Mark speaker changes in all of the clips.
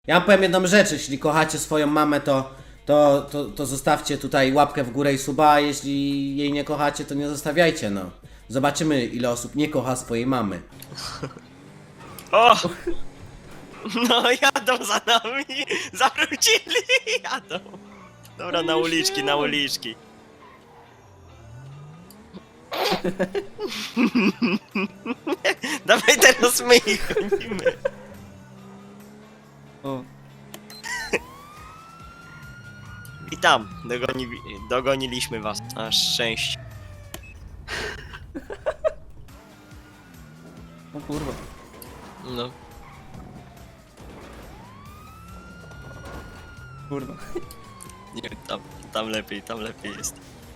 Speaker 1: Ja wam powiem jedną rzecz, jeśli kochacie swoją mamę, to zostawcie tutaj łapkę w górę i suba, a jeśli jej nie kochacie, to nie zostawiajcie, no. Zobaczymy, ile osób nie kocha swojej mamy.
Speaker 2: O! No jadą za nami! Zawrócili! Jadą! Dobra, na uliczki, na uliczki. Dawaj teraz my ich gonimy.
Speaker 3: O,
Speaker 2: I tam, dogoniliśmy was. Na szczęście.
Speaker 3: o kurwa.
Speaker 2: No.
Speaker 3: Kurwa.
Speaker 2: Nie, tam lepiej jest.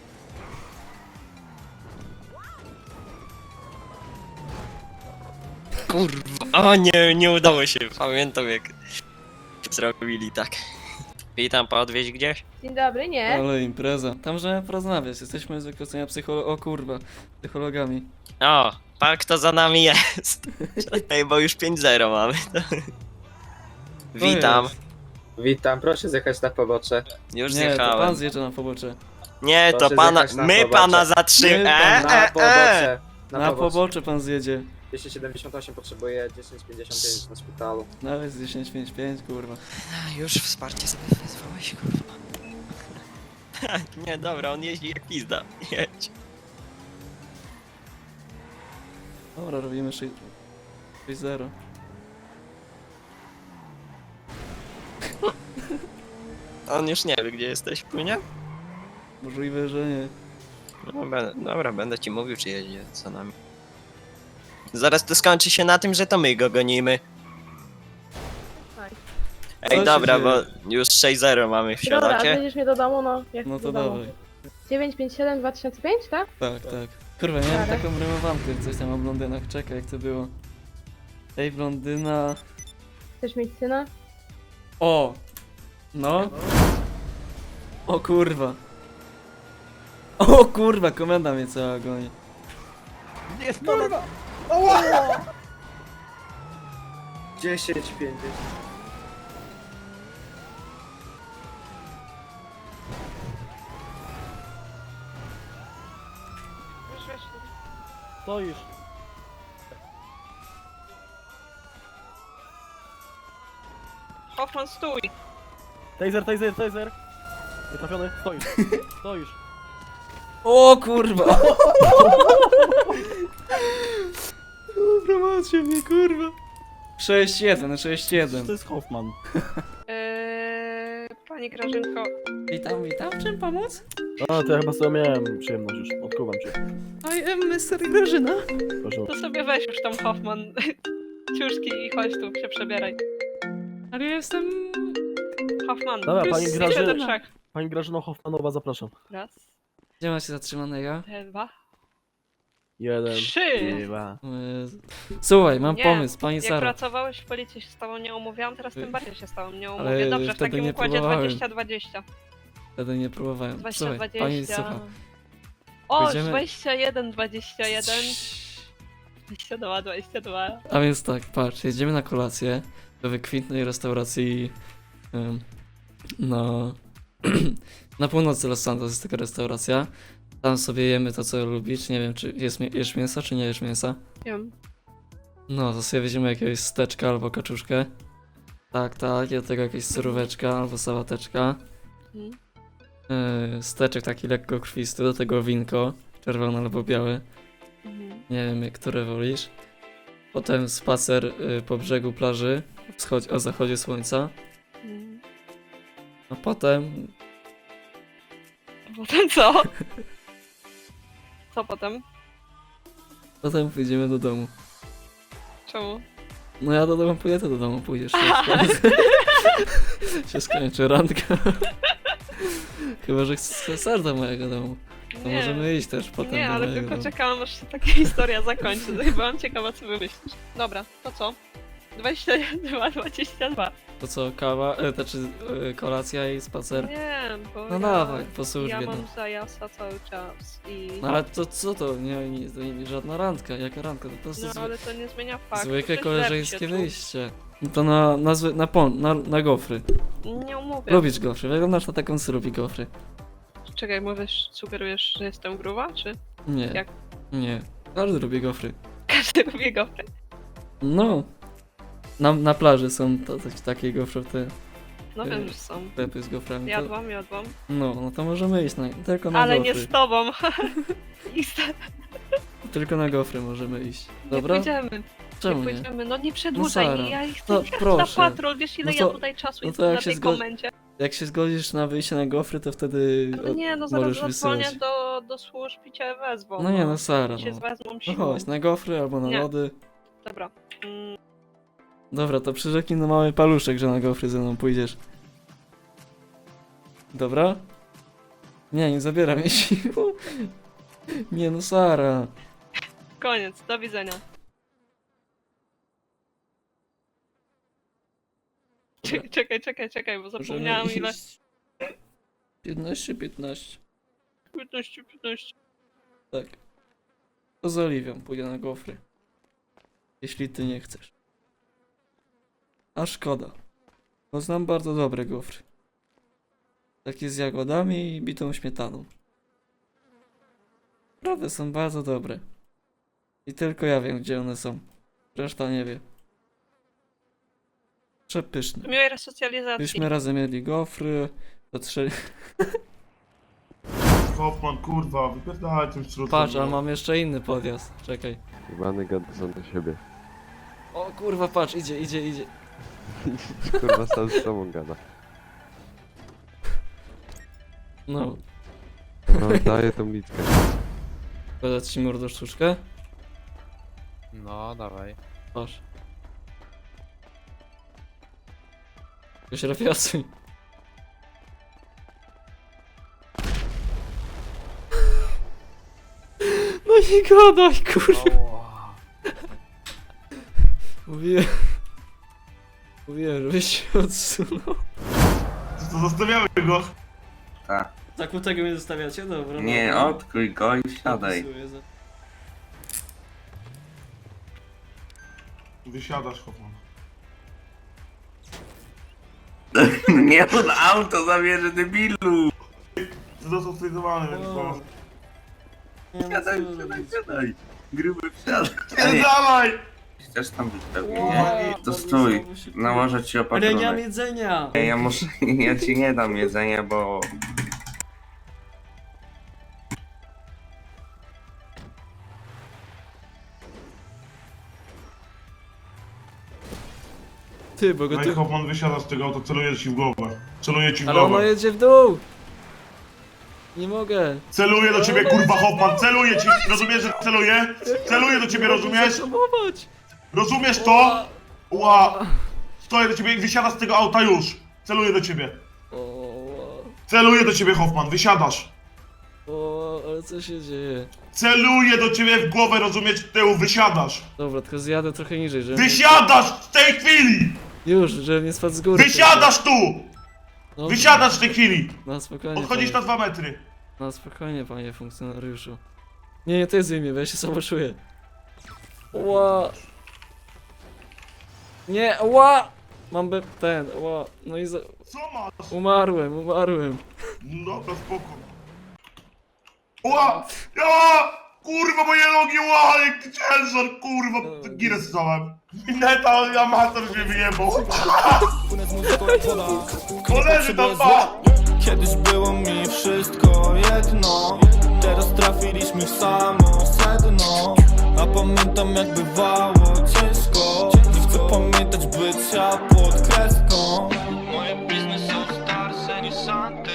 Speaker 2: Kurwa, o nie udało się. Pamiętam jak zrobili tak. Witam, podwieźć gdzieś?
Speaker 4: Dzień dobry, nie?
Speaker 3: Ale impreza. Tam możemy porozmawiać. Jesteśmy z wykształcenia o kurwa. Psychologami.
Speaker 2: O, pan kto za nami jest. Czekaj, bo już 5-0 mamy. Witam,
Speaker 3: jest?
Speaker 5: Witam, proszę zjechać na pobocze.
Speaker 2: już
Speaker 3: Nie, to
Speaker 2: zjechałem.
Speaker 3: pan zjeżdża na pobocze.
Speaker 2: Nie, to
Speaker 5: Proszę
Speaker 2: pana,
Speaker 5: zjechać na
Speaker 2: my
Speaker 5: pobocze.
Speaker 2: pana zatrzymamy.
Speaker 3: My
Speaker 5: Na pobocze.
Speaker 3: Na pobocze pan zjedzie.
Speaker 5: 278 potrzebuje 1055 na szpitalu.
Speaker 3: Nawet z 1055, kurwa.
Speaker 2: Już wsparcie sobie wezwałeś, kurwa. Nie, dobra, on jeździ jak pizda. Jedź.
Speaker 3: Dobra, robimy 6-0.
Speaker 2: On już nie wie, gdzie jesteś, płynie?
Speaker 3: Możliwe, że nie.
Speaker 2: Dobra, będę ci mówił, czy jedzie za nami. Zaraz to skończy się na tym, że to my go gonimy.
Speaker 4: Tak.
Speaker 3: Co
Speaker 2: Ej,
Speaker 3: się
Speaker 2: dobra,
Speaker 3: dzieje?
Speaker 2: bo już 6-0 mamy w
Speaker 4: Dobra,
Speaker 2: siadacie.
Speaker 4: będziesz mnie do domu, no. Jak
Speaker 3: No
Speaker 4: do
Speaker 3: to
Speaker 4: domu.
Speaker 3: dawaj.
Speaker 4: 957 2005, tak?
Speaker 3: Tak, tak. Kurwa, miałem
Speaker 4: Dobra.
Speaker 3: taką rymowankę, coś tam o blondynach. Czekaj, jak to było. Ej, blondyna...
Speaker 4: Chcesz mieć syna?
Speaker 3: O! No. O kurwa. O kurwa, komenda mnie cała goni.
Speaker 5: Jest kurwa! 10, 50.
Speaker 6: Stoisz.
Speaker 4: Hoffman, stój!
Speaker 6: Taser. Nie trafiony, stoisz. Stoisz.
Speaker 3: O kurwa! Dobra, macie mnie, kurwa. 6-1, 6-1.
Speaker 6: To jest Hoffman.
Speaker 4: Pani Grażynko.
Speaker 3: Witam, czym pomóc?
Speaker 6: A, to ja chyba sobie miałem przyjemność już. Odkuwam cię.
Speaker 3: I am Mr. Grażyna.
Speaker 6: Proszę.
Speaker 4: To sobie weź już tam Hoffman. Ciuszki i chodź tu, się przebieraj.
Speaker 3: Ale ja jestem...
Speaker 4: Hoffman.
Speaker 6: Dobra, pani
Speaker 4: liczę
Speaker 6: Grażyna.
Speaker 4: do 3.
Speaker 6: Pani Grażyno Hoffmanowa, zapraszam.
Speaker 4: Raz,
Speaker 3: Gdzie macie zatrzymanego?
Speaker 4: 2,
Speaker 6: 1,
Speaker 4: 3.
Speaker 6: 2.
Speaker 3: O Jezu. Słuchaj, mam
Speaker 4: Nie,
Speaker 3: pomysł, pani
Speaker 4: Jak
Speaker 3: Sara.
Speaker 4: pracowałeś w policji, się z tobą nie umówiłam, teraz tym bardziej się z tobą nie
Speaker 3: Ale
Speaker 4: umówię. Dobrze, w
Speaker 3: wtedy
Speaker 4: takim
Speaker 3: nie
Speaker 4: układzie
Speaker 3: próbowałem.
Speaker 4: 20-20.
Speaker 3: Wtedy nie próbowałem.
Speaker 4: 20,
Speaker 3: Słuchaj,
Speaker 4: 20.
Speaker 3: pani słucha.
Speaker 4: O,
Speaker 3: Będziemy-
Speaker 4: 21, 21, 22, 22.
Speaker 3: A więc tak, patrz, jedziemy na kolację do wykwintnej restauracji no, na północy Los Santos jest taka restauracja. Tam sobie jemy to, co lubisz. Nie wiem, czy jesz mięsa, czy nie jesz mięsa.
Speaker 4: Wiem.
Speaker 3: No, to sobie weźmiemy jakiegoś steczka albo kaczuszkę. Tak, i do tego jakieś suróweczka albo sałateczka.
Speaker 4: Mhm.
Speaker 3: Steczek taki lekko krwisty, do tego winko, czerwone albo białe.
Speaker 4: Mhm.
Speaker 3: Nie wiem, które wolisz. Potem spacer po brzegu plaży o zachodzie słońca.
Speaker 4: Mhm.
Speaker 3: A potem
Speaker 4: Potem co? Co potem?
Speaker 3: pójdziemy do domu.
Speaker 4: Czemu?
Speaker 3: No ja do domu pójdę, to do domu pójdziesz. Się skończy randka. Chyba, że chcesz do mojego domu. To możemy iść też potem
Speaker 4: Nie,
Speaker 3: do
Speaker 4: ale
Speaker 3: mojego
Speaker 4: tylko
Speaker 3: domu.
Speaker 4: czekałam, aż się taka historia zakończy. Chyba mam ciekawa, co wymyślisz. Dobra, to co? 22, 22.
Speaker 3: To co, kawa, kolacja i spacer?
Speaker 4: Nie, bo
Speaker 3: No
Speaker 4: ja,
Speaker 3: dawaj, po służbie.
Speaker 4: ja
Speaker 3: no.
Speaker 4: mam zajazda cały czas i...
Speaker 3: No ale to co to? Nie, żadna randka. Jaka randka? To po prostu
Speaker 4: No ale to nie zmienia faktu,
Speaker 3: zwykłe
Speaker 4: że źle
Speaker 3: koleżeńskie
Speaker 4: się czuł.
Speaker 3: wyjście. No to na gofry.
Speaker 4: Nie umówię.
Speaker 3: Lubisz gofry, wyglądasz na taką, co lubi gofry.
Speaker 4: Czekaj, mówisz, sugerujesz, że jestem gruba, czy
Speaker 3: Nie,
Speaker 4: Jak?
Speaker 3: nie. Każdy lubi gofry.
Speaker 4: każdy lubi gofry?
Speaker 3: No. Na plaży są takie gofry, te
Speaker 4: No wiem, że są.
Speaker 3: sklepy z goframi. To,
Speaker 4: Jadłam.
Speaker 3: no to możemy iść tylko na
Speaker 4: Ale
Speaker 3: gofry.
Speaker 4: nie z tobą.
Speaker 3: Tylko na gofry możemy iść.
Speaker 4: Nie
Speaker 3: Dobra?
Speaker 4: pójdziemy.
Speaker 3: Czemu
Speaker 4: nie
Speaker 3: nie?
Speaker 4: pójdziemy. No nie przedłużaj
Speaker 3: Sara,
Speaker 4: mi, ja chcę
Speaker 3: no
Speaker 4: jechać na
Speaker 3: proszę.
Speaker 4: patrol, wiesz ile
Speaker 3: No to-
Speaker 4: ja tutaj czasu
Speaker 3: no to
Speaker 4: jestem
Speaker 3: jak
Speaker 4: na
Speaker 3: się
Speaker 4: tej
Speaker 3: zgodzi-
Speaker 4: komendzie.
Speaker 3: Jak się zgodzisz na wyjście na gofry, to wtedy
Speaker 4: No nie, no zaraz
Speaker 3: możesz
Speaker 4: zadzwonię
Speaker 3: wysyłać.
Speaker 4: do służb i cię wezwą.
Speaker 3: No nie, no Sara,
Speaker 4: Cię
Speaker 3: no.
Speaker 4: wezmą
Speaker 3: No
Speaker 4: siłą.
Speaker 3: chodź, na gofry albo na
Speaker 4: Nie.
Speaker 3: lody.
Speaker 4: Dobra.
Speaker 3: Dobra, to przyrzeknij na mały paluszek, że na gofry ze mną pójdziesz. Dobra? Nie zabieram jej siłą. Nie no, Sara.
Speaker 4: Koniec, do widzenia. Czekaj, bo zapomniałam ile.
Speaker 3: 15.
Speaker 4: 15.
Speaker 3: Tak. To z Oliwią pójdę na gofry. Jeśli ty nie chcesz. A szkoda. Bo znam bardzo dobre gofry. Takie z jagodami i bitą śmietaną. Naprawdę są bardzo dobre. I tylko ja wiem, gdzie one są. Reszta nie wie. Przepyszne.
Speaker 4: Miłej resocjalizacji.
Speaker 3: Byśmy razem jedli gofry, patrzyli...
Speaker 7: Hoffman, kurwa, wypierdalaj tym środkiem.
Speaker 3: Patrz, ale mam jeszcze inny podjazd. Czekaj.
Speaker 8: Jebany gada sam do siebie.
Speaker 3: O kurwa, patrz, idzie.
Speaker 8: Kurwa sam z sobą gada.
Speaker 3: No.
Speaker 8: No daję tą litkę.
Speaker 3: Podać ci mordo sztuczkę?
Speaker 9: No, dawaj.
Speaker 3: Patrz. Już rafiasuj. No nie gadaj, kurwa. Mówiłem, żebyś się odsunął.
Speaker 7: To zostawiamy go.
Speaker 3: Zakutego mnie zostawiacie? Dobra.
Speaker 10: Nie,
Speaker 3: dobra.
Speaker 10: odkryj go i wsiadaj.
Speaker 3: Zapisuję za-
Speaker 7: Wysiadasz, Hoffman.
Speaker 10: Nie, on auto zabierze, debilu!
Speaker 7: Został stwierdzowany, więc to...
Speaker 3: Nie, no
Speaker 10: Wsiadaj,
Speaker 3: co
Speaker 10: wsiadaj,
Speaker 3: robić?
Speaker 7: wsiadaj!
Speaker 10: Gruby wsiadaj!
Speaker 7: Pierdalaj!
Speaker 10: Chcesz tam być pewnie,
Speaker 3: Wow,
Speaker 10: nie? To
Speaker 3: bardzo
Speaker 10: stój,
Speaker 3: słabo się
Speaker 10: nałożę ci
Speaker 3: Ale ja nie mam
Speaker 10: opatrunek.
Speaker 3: jedzenia!
Speaker 10: Nie, ja muszę, ja ci nie dam jedzenia, bo...
Speaker 3: Ty, bo go
Speaker 7: No i
Speaker 3: ty...
Speaker 7: Hoffman wysiada z tego auta, celuje ci w głowę. Celuje ci w
Speaker 3: Ale ono
Speaker 7: głowę.
Speaker 3: jedzie w dół! Nie mogę.
Speaker 7: Celuje do ciebie, kurwa, Hoffman, celuje ci! Rozumiesz, że celuje? Celuje do ciebie, rozumiesz?
Speaker 3: Zahamować!
Speaker 7: Rozumiesz to? Ła! Stoję do ciebie i wysiada z tego auta już! Celuje do ciebie. Celuje do ciebie, Hoffman, wysiadasz!
Speaker 3: O, ale co się dzieje?
Speaker 7: Celuje do ciebie w głowę, rozumiesz, tyłu, wysiadasz!
Speaker 3: Dobra, tylko zjadę trochę niżej, żeby...
Speaker 7: Wysiadasz w tej chwili!
Speaker 3: Już, żeby nie spadł z góry.
Speaker 7: Wysiadasz tu!
Speaker 3: No,
Speaker 7: Wysiadasz w tej chwili!
Speaker 3: Na spokojnie,
Speaker 7: Odchodzisz na
Speaker 3: panie.
Speaker 7: 2 metry.
Speaker 3: Na spokojnie, panie funkcjonariuszu. Nie, ty zdejmij, bo ja się samo czuję. Ła! Nie, ła! Mam ła. No i
Speaker 7: Co masz?
Speaker 3: umarłem.
Speaker 7: No dobra, spoko. Ła! Ja! Kurwa, moje nogi, ła! Jaki ciężar, kurwa! Girę stałem. Mineta, amator mnie wyjebał. Koleży tam, pa!
Speaker 11: Kiedyś było mi wszystko jedno. Teraz trafiliśmy w samo sedno. A pamiętam jak bywało ciężko. Nie chcę pamiętać bycia pod kreską. Moje biznes są starsze niż Santo.